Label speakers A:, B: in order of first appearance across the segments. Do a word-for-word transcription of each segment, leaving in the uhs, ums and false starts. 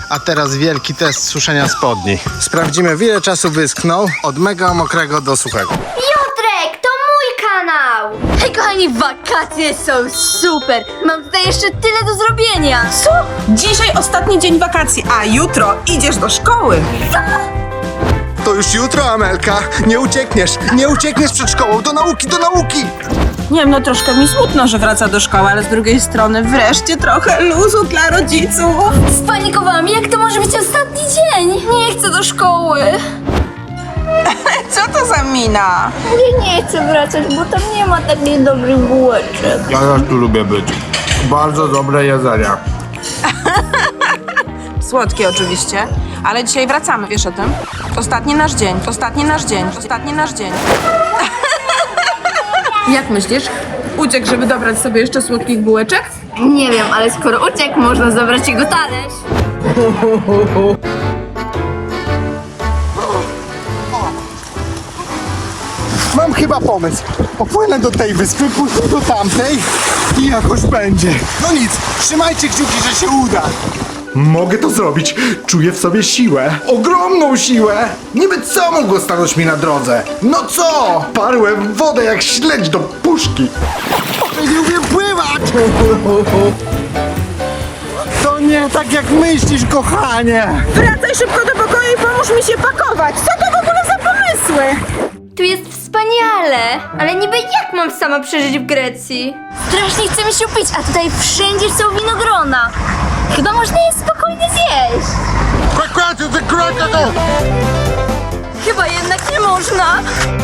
A: A teraz wielki test suszenia spodni. Sprawdzimy, w ile czasu wyschną od mega mokrego do suchego.
B: Piotrek, to mój kanał! Hej kochani, wakacje są super! Mam tutaj jeszcze tyle do zrobienia!
C: Co? Dzisiaj ostatni dzień wakacji, a jutro idziesz do szkoły.
A: To już jutro, Amelka. Nie uciekniesz, nie uciekniesz przed szkołą. Do nauki, do nauki!
C: Nie wiem, no troszkę mi smutno, że wraca do szkoły, ale z drugiej strony wreszcie trochę luzu dla rodziców.
B: Spanikowałam, jak to może być ostatni dzień? Nie chcę do szkoły!
C: Co to za mina?
B: Ja nie chcę wracać, bo tam nie ma takich dobrych bułeczek.
A: Ja też tu lubię być. Bardzo dobre jedzenia.
C: Słodkie oczywiście, ale dzisiaj wracamy, wiesz o tym? Ostatni nasz dzień, ostatni nasz dzień, ostatni nasz dzień. Jak myślisz? Uciekł, żeby dobrać sobie jeszcze słodkich bułeczek?
B: Nie wiem, ale skoro uciekł, można zabrać jego talerz.
A: Mam chyba pomysł. Popłynę do tej wyspy, później do tamtej i jakoś będzie. No nic, trzymajcie kciuki, że się uda.
D: Mogę to zrobić. Czuję w sobie siłę. Ogromną siłę. Niby co mogło stanąć mi na drodze? No co? Parłem w wodę jak śledź do puszki.
A: Nie umiem pływać! To nie tak jak myślisz, kochanie.
C: Wracaj szybko do pokoju i pomóż mi się pakować. Co to w ogóle za pomysły?
B: Tu jest wspaniale, ale niby jak mam sama przeżyć w Grecji? Strasznie chce mi się upić, a tutaj wszędzie są winogrona. Chyba można je spokojnie zjeść. Chyba jednak nie można.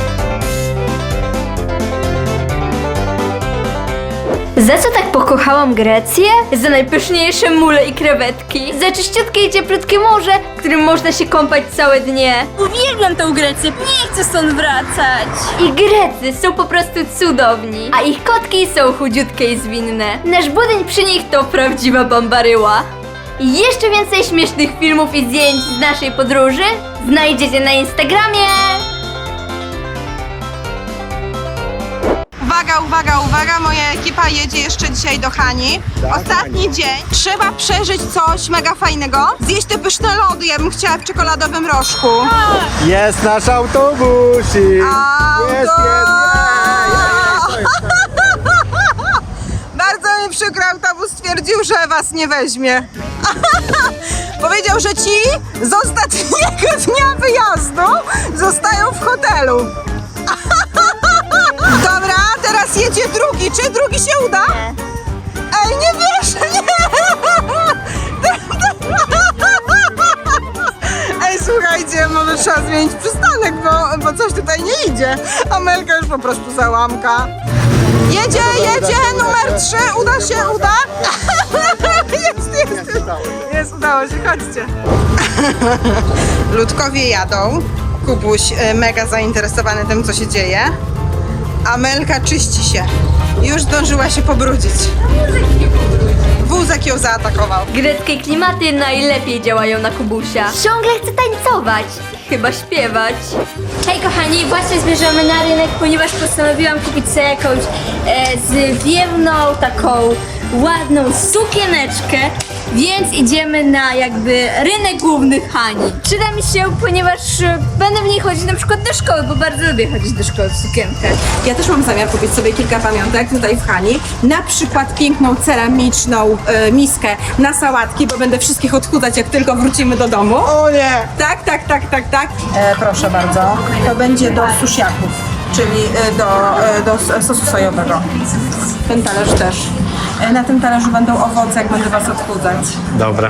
B: Za co tak pokochałam Grecję? Za najpyszniejsze mule i krewetki, za czyściutkie i cieplutkie morze, w którym można się kąpać całe dnie. Uwielbiam tę Grecję, nie chcę stąd wracać. I Grecy są po prostu cudowni, a ich kotki są chudziutkie i zwinne. Nasz budyń przy nich to prawdziwa bambaryła. I jeszcze więcej śmiesznych filmów i zdjęć z naszej podróży znajdziecie na Instagramie.
C: Uwaga, uwaga, uwaga, moja ekipa jedzie jeszcze dzisiaj do Hani. Ostatni dzień. Trzeba przeżyć coś mega fajnego. Zjeść te pyszne lody, ja bym chciała w czekoladowym rożku.
A: Jest nasz autobusik.
C: Auto!
A: Jest, jest, jest.
C: Bardzo mi przykro, autobus stwierdził, że was nie weźmie. Powiedział, że ci z ostatniego dnia wyjazdu zostają w hotelu. Dobra, teraz jedzie drugi. Czy drugi się uda? Ej, nie wierzę, nie! Ej, słuchajcie, może trzeba zmienić przystanek, bo, bo coś tutaj nie idzie. Amelka już po prostu załamka. Jedzie, jedzie, numer trzy, uda się, uda? Jest, jest, jest, udało się, chodźcie. Ludkowie jadą, Kubuś y, mega zainteresowany tym, co się dzieje. Amelka czyści się, już zdążyła się pobrudzić. Wózek ją zaatakował.
B: Greckie klimaty najlepiej działają na Kubusia. Ciągle chcę tańcować, chyba śpiewać. Hej kochani, właśnie zmierzamy na rynek, ponieważ postanowiłam kupić sobie jakąś e, zwiewną, taką ładną sukieneczkę, więc idziemy na jakby rynek główny Hani. Przyda mi się, ponieważ e, będę w niej chodzić na przykład do szkoły, bo bardzo lubię chodzić do szkoły w sukienkach.
C: Ja też mam zamiar kupić sobie kilka pamiątek tutaj w Hani. Na przykład piękną ceramiczną e, miskę na sałatki, bo będę wszystkich odchudzać, jak tylko wrócimy do domu.
A: O nie!
C: Tak, tak, tak, tak, tak. E, proszę bardzo. To będzie do susiaków, czyli e, do, e, do s- sosu sojowego. Ten talerz też. E, na tym talerzu będą owoce, jak będę was odchudzać.
A: Dobra.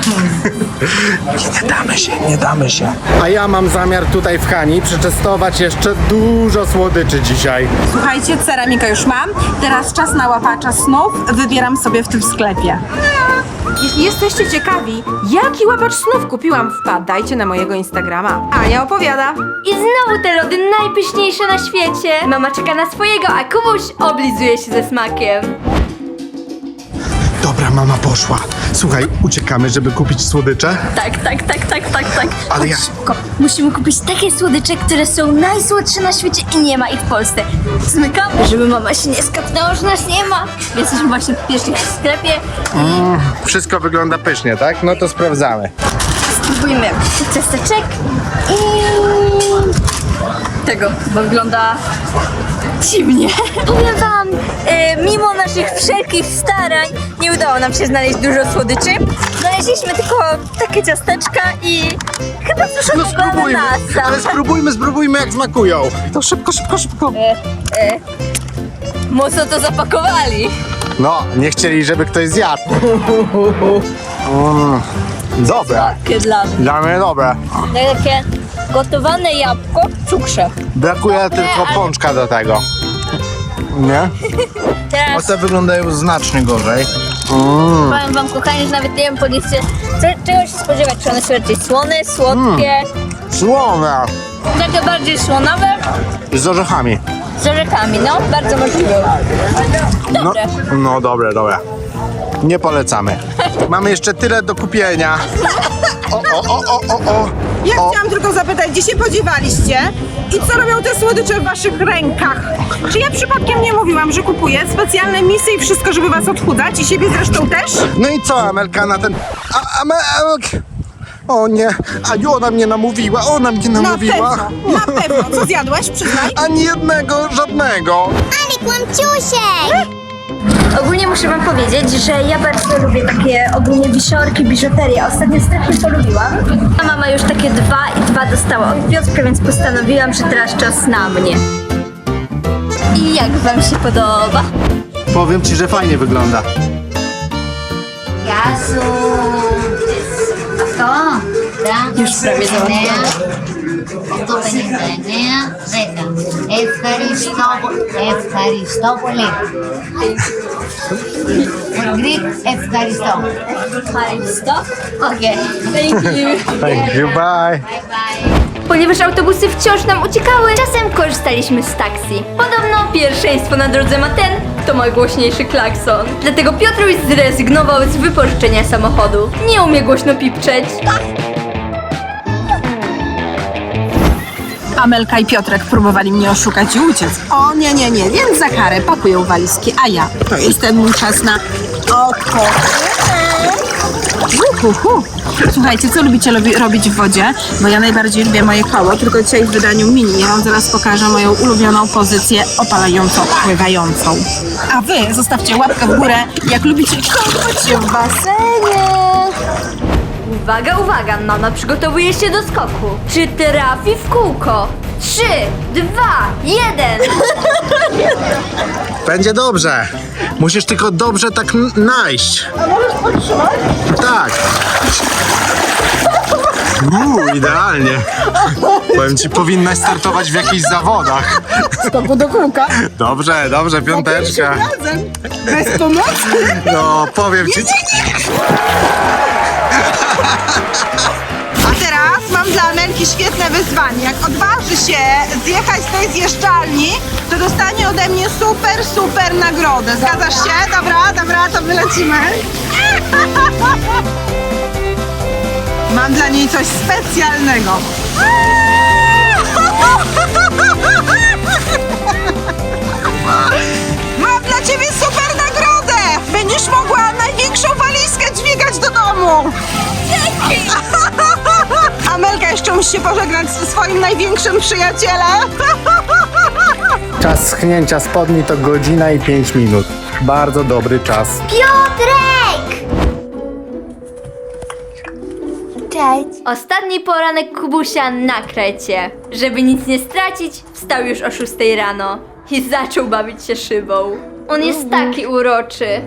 D: Nie damy się, nie damy się.
A: A ja mam zamiar tutaj w Hani przetestować jeszcze dużo słodyczy dzisiaj.
C: Słuchajcie, ceramika już mam. Teraz czas na łapacza snów. Wybieram sobie w tym sklepie. Jeśli jesteście ciekawi, jaki łapacz snów kupiłam, wpadajcie na mojego Instagrama. Ania opowiada.
B: I znowu te lody najpyszniejsze na świecie. Mama czeka na swojego, a Kubuś oblizuje się ze smakiem.
A: Dobra,
D: mama poszła. Słuchaj, uciekamy, żeby kupić słodycze?
B: Tak, tak, tak, tak, tak, tak.
D: Ale ja...
B: Szybko. Musimy kupić takie słodycze, które są najsłodsze na świecie i nie ma ich w Polsce. Zmykamy, żeby mama się nie skapnęła, że nas nie ma. Jesteśmy właśnie w pierwszym sklepie
D: Mm, wszystko wygląda pysznie, tak? No to sprawdzamy.
B: spróbujmy ciasteczek i tego, bo wygląda dziwnie. Powiem wam, e, mimo naszych wszelkich starań nie udało nam się znaleźć dużo słodyczy. Znaleźliśmy tylko takie ciasteczka i chyba suszonego
D: No spróbujmy,
B: ananasa.
D: ale spróbujmy, spróbujmy jak smakują. To szybko, szybko, szybko.
B: E, e, mocno to zapakowali.
D: No, nie chcieli, żeby ktoś zjadł. Mm, dobre.
B: Takie dla mnie.
D: Dla mnie dobre.
B: Takie gotowane jabłko w cukrze.
D: Brakuje
B: Dobre,
D: tylko
B: ale-
D: pączka do tego. Nie?
B: Teraz
D: Te wyglądają znacznie gorzej.
B: powiem wam, kochani, że nawet nie wiem po liście, co- czego się spodziewać. Czy one są raczej słone, słodkie,
D: Słone.
B: takie bardziej słonawe,
D: Z orzechami.
B: z orzechami, no, bardzo możliwe.
D: No,
B: Dobre.
D: no dobre, dobre. Nie polecamy. Mamy jeszcze tyle do kupienia. O, o, o, o, o, o.
C: Ja
D: O.
C: chciałam tylko zapytać, gdzie się podziewaliście i co robią te słodycze w waszych rękach? Czy ja przypadkiem nie mówiłam, że kupuję specjalne misy i wszystko, żeby was odchudzać i siebie zresztą też?
D: No i co, Amelka, na ten... A, Amelk... O nie, Aniu, ona mnie namówiła, ona mnie
C: Na
D: namówiła.
C: pewno, na pewno. Co zjadłaś? Przyznaj.
D: Ani jednego, żadnego.
B: Ale kłamciusiek! Ogólnie muszę wam powiedzieć, że ja bardzo lubię takie ogólnie wisiorki, biżuterię. Ostatnio strasznie polubiłam. A mama już takie dwa i dwa dostała od Piotrka, więc postanowiłam, że teraz czas na mnie. I jak wam się podoba?
D: Powiem ci, że fajnie wygląda.
E: Γεια σου. Αυτό.
B: Już prawie załatwione.
E: οκτώ πενήντα εννέα, δέκα. Ευχαριστώ, ευχαριστώ πολύ. For Greek, ευχαριστώ.
B: Stop.
E: Okay.
B: Thank you.
D: Thank you, bye.
E: Bye bye.
B: Ponieważ autobusy wciąż nam uciekały, czasem korzystaliśmy z taksi. Podobno pierwszeństwo na drodze ma ten, kto ma głośniejszy klakson. Dlatego Piotruś zrezygnował z wypożyczenia samochodu. Nie umie głośno pipczeć.
C: Amelka i Piotrek próbowali mnie oszukać i uciec. O nie, nie, nie, więc za karę pakują walizki, a ja, to jest ten mój czas na odpoczynek. Uhuhu. Słuchajcie, co lubicie lubi- robić w wodzie? Bo ja najbardziej lubię moje koło, tylko dzisiaj w wydaniu mini. Ja wam zaraz pokażę moją ulubioną pozycję opalającą, pływającą. A wy zostawcie łapkę w górę, jak lubicie kąpać się w basenie.
B: Uwaga, uwaga, mama przygotowuje się do skoku. Czy trafi w kółko? Trzy, dwa, jeden.
D: Będzie dobrze. Musisz tylko dobrze tak n- najść. A możesz podtrzymać? Tak. Uuu, idealnie. Powiem ci, powinnaś startować w jakichś zawodach.
C: Skoku do kółka.
D: Dobrze, dobrze, piąteczka.
C: Razem. Bez pomocy.
D: No, powiem ci...
C: A teraz mam dla Amelki świetne wyzwanie. Jak odważy się zjechać z tej zjeżdżalni, to dostanie ode mnie super, super nagrodę. Zgadzasz się? Dobra, dobra, to wylecimy. Mam dla niej coś specjalnego. Mam dla ciebie super nagrodę! Będziesz mogła największą walizkę dźwigać do domu. Dzięki! Amelka jeszcze musi się pożegnać ze swoim największym przyjacielem.
D: Czas schnięcia spodni to godzina i pięć minut. Bardzo dobry czas.
B: Piotrek! Cześć. Ostatni poranek Kubusia na krecie. Żeby nic nie stracić, wstał już o szóstej rano i zaczął bawić się szybą. On jest taki uroczy.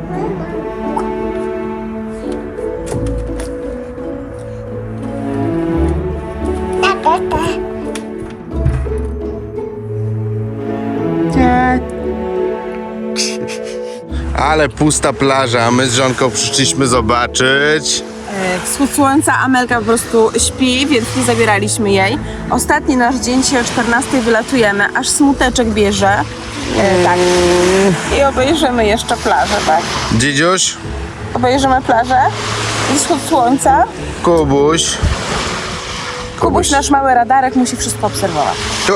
D: Ale pusta plaża, my z żonką przyszliśmy zobaczyć.
C: Wschód słońca, Amelka po prostu śpi, więc nie zabieraliśmy jej. Ostatni nasz dzień, dzisiaj o czternastej wylatujemy, aż smuteczek bierze. E, tak. I obejrzymy jeszcze plażę, tak?
D: Dzidziuś,
C: Obejrzymy plażę. Wschód słońca.
D: Kubuś.
C: Kubuś, nasz mały radarek, musi wszystko obserwować.
D: Tu.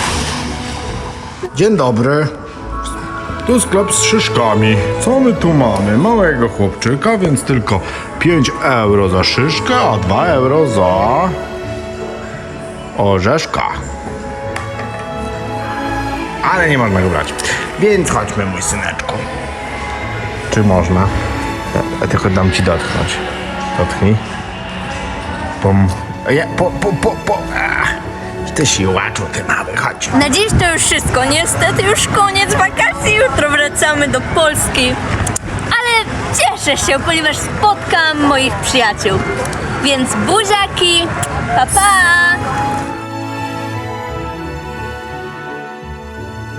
D: Dzień dobry. Tu sklep z szyszkami. Co my tu mamy? Małego chłopczyka, więc tylko pięć euro za szyszkę, a dwa euro za orzeszka. Ale nie można go brać. Więc chodźmy, mój syneczku. Czy można? Ja tylko dam ci dotknąć. Dotknij. Pom. Ja, po, po, po, po. Ach. Ty siłaczu, ty mały, chodź.
B: Na dziś to już wszystko. Niestety już koniec wakacji. Jutro wracamy do Polski. Ale cieszę się, ponieważ spotkam moich przyjaciół. Więc buziaki, pa pa!